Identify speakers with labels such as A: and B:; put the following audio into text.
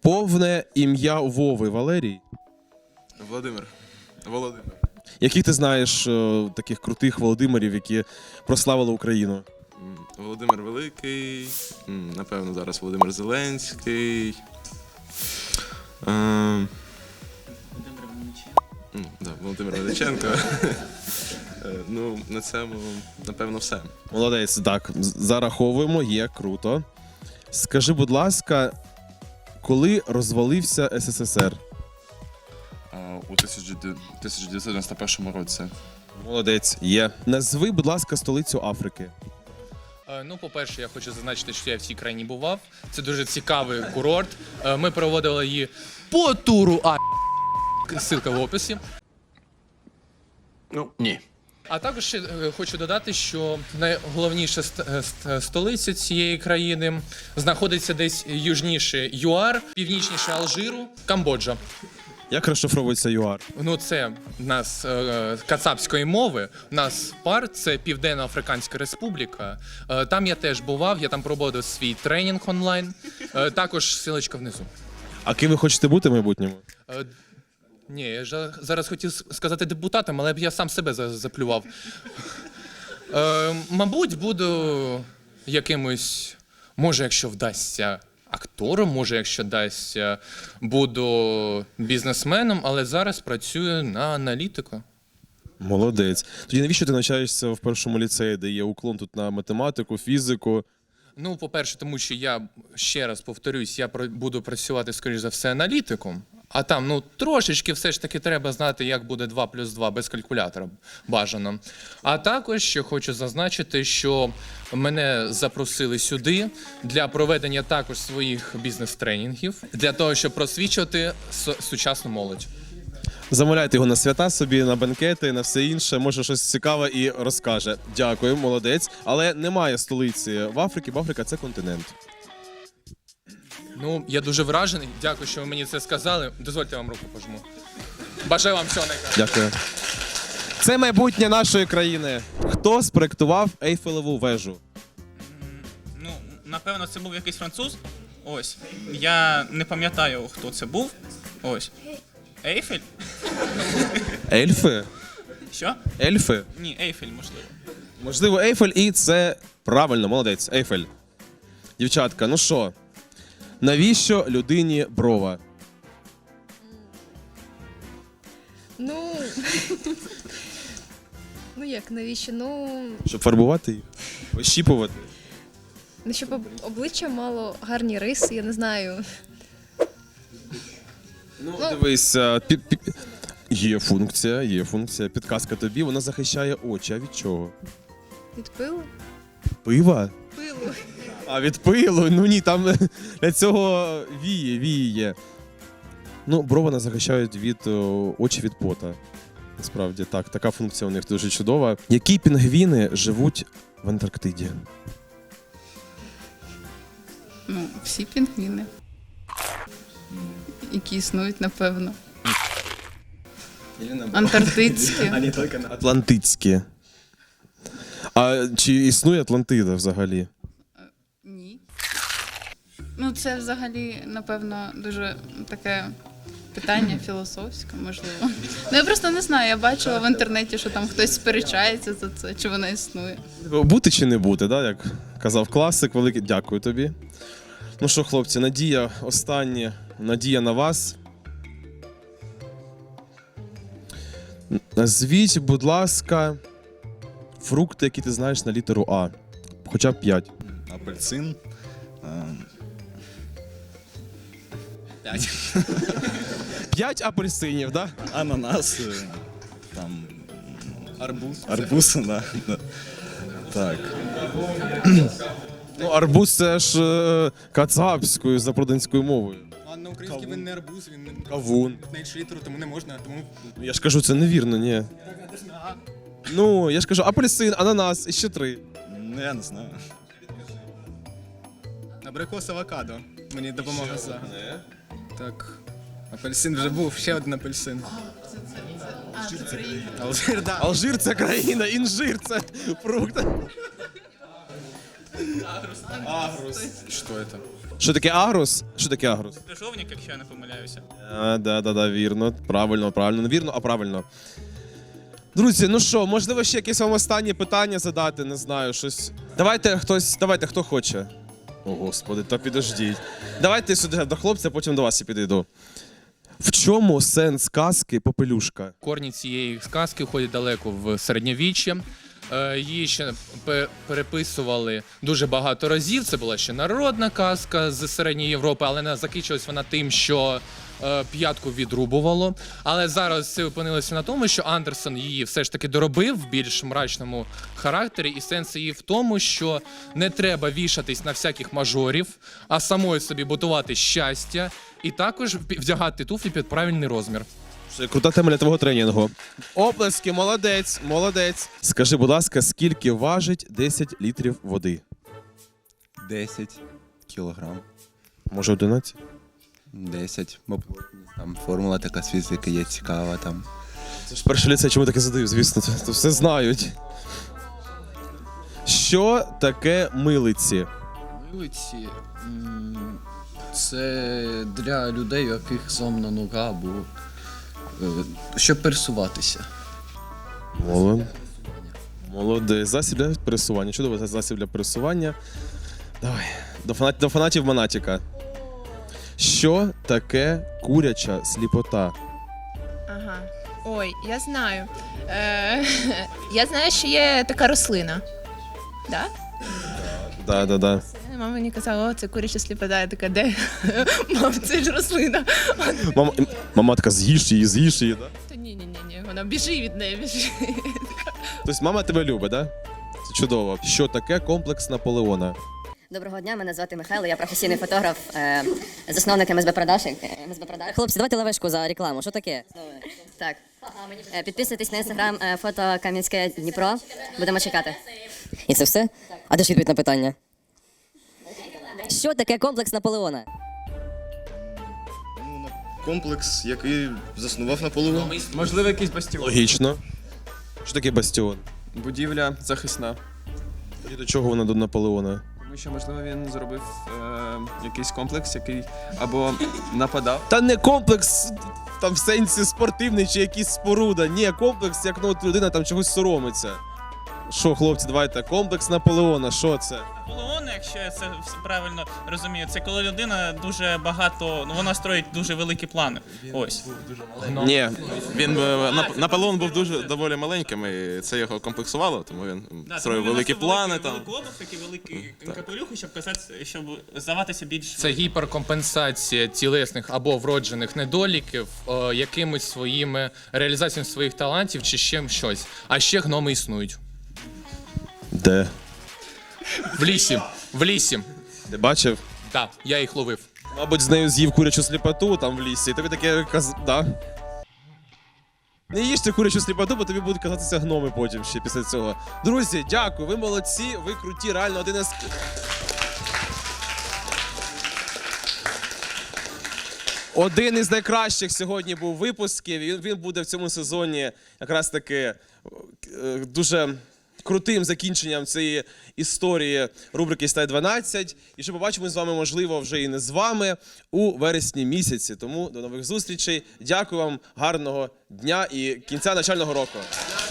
A: Повне ім'я Вови Валерій.
B: Володимир. Володимир.
A: Яких ти знаєш таких крутих Володимирів, які прославили Україну?
B: Володимир Великий. Напевно, зараз Володимир Зеленський. Володимир Величенко. Ну, на цьому, напевно, все.
A: Молодець, так, зараховуємо, є, круто. Скажи, будь ласка, коли розвалився СССР?
B: У 1991 році.
A: Молодець, є. Назви, будь ласка, столицю Африки.
C: Ну, по-перше, я хочу зазначити, що я в цій країні бував. Це дуже цікавий курорт. Ми проводили її по туру ссылка в описі.
B: Ну, ні.
C: А також ще хочу додати, що найголовніша столиця цієї країни знаходиться десь южніше ЮАР, північніше Алжиру, Камбоджа.
A: Як розшифровується ЮАР?
C: Ну, це в нас кацапської мови. У нас ПАР – це Південно-Африканська Республіка. Там я теж бував, я там проводив свій тренінг онлайн. Також ссылочка внизу.
A: А ким ви хочете бути в майбутньому?
C: Ні, я ж зараз хотів сказати депутатом, але б я сам себе заплював. Мабуть, буду якимось, може, якщо вдасться, актором, може, якщо вдасться, буду бізнесменом, але зараз працюю на аналітику.
A: Молодець. Тоді навіщо ти навчаєшся в першому ліцеї, де є уклон тут на математику, фізику?
C: Ну, по-перше, тому що я, ще раз повторюсь, я буду працювати, скоріш за все, аналітиком. А там, ну, трошечки все ж таки треба знати, як буде 2 плюс 2 без калькулятора бажано. А також ще хочу зазначити, що мене запросили сюди для проведення також своїх бізнес-тренінгів, для того, щоб просвічувати сучасну молодь.
A: Замовляйте його на свята собі, на бенкети, на все інше. Може, щось цікаве і розкаже. Дякую, молодець. Але немає столиці в Африці, бо Африка – це континент.
C: Ну, я дуже вражений. Дякую, що ви мені це сказали. Дозвольте, я вам руку пожму. Бажаю вам всього найкращого.
A: Дякую. Це майбутнє нашої країни. Хто спроектував Ейфелеву вежу?
D: Ну, напевно, це був якийсь француз. Ось. Я не пам'ятаю, хто це був. Ось. Ейфель?
A: Ельфи?
D: Що?
A: Ельфи?
D: Ні, Ейфель, можливо.
A: Можливо, Ейфель, і це правильно, молодець, Ейфель. Дівчатка, ну що, навіщо людині брова?
E: Ну, ну як, навіщо? Ну,
A: Щоб фарбувати їх? Ощіпувати?
E: щоб обличчя мало гарні риси, я не знаю.
A: Ну, дивись, є функція, підказка тобі, вона захищає очі. А від чого?
E: Від пилу?
A: Пива?
E: Пилу.
A: А від пилу? Ну ні, там для цього віє. Ну, брови захищають від очі від пота. Насправді, так, така функція у них дуже чудова. Які пінгвіни живуть в Антарктиді?
F: Ну, всі пінгвіни, які існують, напевно. Антарктидські.
A: Атлантицькі. А чи існує Атлантида взагалі?
F: Ні. Ну, це взагалі, напевно, дуже таке питання філософське, можливо. Ну, я просто не знаю, я бачила в інтернеті, що там хтось сперечається за це, чи вона існує.
A: Бути чи не бути, да? Як казав класик великий. Дякую тобі. Ну що, хлопці, надія останнє, надія на вас. Назвіть, будь ласка, фрукти, які ти знаєш на літеру А. Хоча б 5.
G: Апельсин. 5.
A: 5 апельсинів, да?
G: Ананас. Там.
B: Арбуз.
G: Арбуз, да. Так.
A: Ну, арбуз це ж кацапською, запроданською мовою.
H: А на українській він не арбуз, він не
A: Кавун.
H: менше літеру, тому не можна, тому...
A: Я ж кажу, це невірно, ні. Ну, я ж кажу, апельсин, ананас і ще 3.
G: Ну, я не знаю.
H: Абрикос авокадо. Мені допомога за. Так. Апельсин вже був, ще один апельсин. Алжир, да.
A: Алжир це країна, інжир це фрукт.
B: Що це?
A: Що таке агрус? Що таке агрус?
D: Крижовник, якщо я не помиляюся.
A: Да, вірно. Правильно. Не вірно, а правильно. Друзі, ну що, можливо, ще якесь вам останнє питання задати, не знаю, щось. Давайте, хто хоче. О, Господи, та підождіть. Давайте сюди до хлопця, потім до вас я підійду. В чому сенс казки «Попелюшка»?
C: Корні цієї сказки входять далеко в середньовіччя. Її ще переписували дуже багато разів. Це була ще народна казка з Середньої Європи, але не закінчилась вона тим, що п'ятку відрубувало. Але зараз це опинилося на тому, що Андерсон її все ж таки доробив в більш мрачному характері. І сенс її в тому, що не треба вішатись на всяких мажорів, а самою собі будувати щастя і також вдягати туфлі під правильний розмір.
A: Це крута тема для твого тренінгу. Оплески, молодець. Скажи, будь ласка, скільки важить 10 літрів води?
I: 10 кілограм.
A: Може 11?
I: 10. Мабуть, там формула така з фізики є цікава там.
A: Це ж перший ліцей, чому таке задаю, звісно, то все знають. Що таке милиці?
J: Милиці це для людей, у яких зламана нога або щоб пересуватися.
A: Молодець. Засіб для пересування. Чудово, засіб для пересування. Давай. До фанатів Монатіка. Що таке куряча сліпота?
K: Ага. Ой, я знаю. Я знаю, що є така рослина. Да?
A: Да.
K: Мама мені казала, о, це куряча сліпота. Я така, де? Мам, це ж рослина.
A: Мама така, з'їж її, да?
K: Та ні, вона біжи від неї, біжи.
A: Тобто мама тебе любить, да? Це чудово. Що таке комплекс Наполеона?
L: Доброго дня, мене звати Михайло, я професійний фотограф, засновник МСБ Продаж. Хлопці, давайте лавешку за рекламу. Що таке? Так. Підписуйтесь на інстаграм фото Кам'янське Дніпро. Будемо чекати. І це все? А де ж відповідь на питання? Що таке комплекс Наполеона?
G: Комплекс, який заснував Наполеон.
H: Можливо, якийсь бастіон.
A: Логічно. Що таке бастіон?
H: Будівля захисна.
A: І до чого вона до Наполеона?
H: Тому що, можливо, він зробив якийсь комплекс, який або нападав.
A: Та не комплекс там в сенсі спортивний чи якийсь споруда. Ні, комплекс, як от людина там чогось соромиться. Що, хлопці, давайте, комплекс Наполеона, що це?
D: Наполеон, якщо я це правильно розумію, це коли людина дуже багато, вона строїть дуже великі плани. Ось.
B: Ні, Наполеон був дуже доволі маленьким, і це його комплексувало, тому він строїв великі плани.
D: Великий обув, такий великий капелюх, щоб здаватися більш...
C: Це гіперкомпенсація тілесних або вроджених недоліків якимось своїми реалізаціями своїх талантів чи ще щось. А ще гноми існують.
A: Де?
C: В лісі.
A: Ти бачив?
C: Так, я їх ловив.
A: Мабуть, з нею з'їв курячу сліпоту там в лісі, і тобі таке да. Не їжте курячу сліпоту, бо тобі будуть казатися гноми потім ще після цього. Друзі, дякую, ви молодці, ви круті, реально один із найкращих сьогодні був випусків, він буде в цьому сезоні якраз таки дуже крутим закінченням цієї історії рубрики «Стай 12». І що побачимо з вами, можливо, вже і не з вами у вересні місяці. Тому до нових зустрічей. Дякую вам, гарного дня і кінця навчального року.